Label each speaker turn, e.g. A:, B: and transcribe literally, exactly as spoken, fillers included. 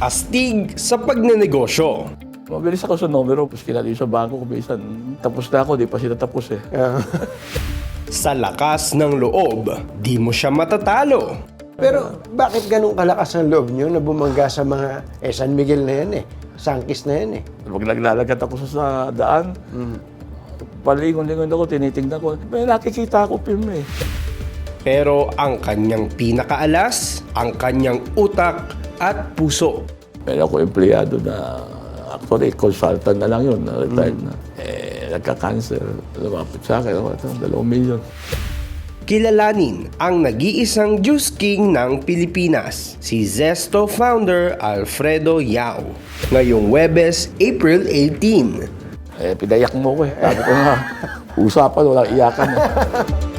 A: astig sa pagnenegosyo.
B: Mabilis ako sa numero, tapos kinali sa bangko ko, bisan tapos na ako, di pa sila tapos eh.
A: Sa lakas ng loob, di mo siya matatalo.
C: Pero bakit ganun kalakas ang loob nyo na bumangga sa mga eh, San Miguel na yan eh, Sangkis na yan eh?
B: Pag naglalagat ako sa, sa daan, mm. palingon-lingon ako, tinitingnan ko, may nakikita ako film eh.
A: Pero ang kanyang pinakaalas, ang kanyang utak at puso.
B: Meron ako empleyado na, actually, consultant na lang yun, na retired mm. na. Eh, nagka-cancer, lumapit sa akin, ako, dalawang milyon.
A: Kilalanin ang nag-iisang Juice King ng Pilipinas, si Zesto founder Alfredo Yao. Ngayong Huwebes, April eighteen.
B: Eh, pinayak mo ko eh. Sabi ko nga, usapan, walang iyakan eh.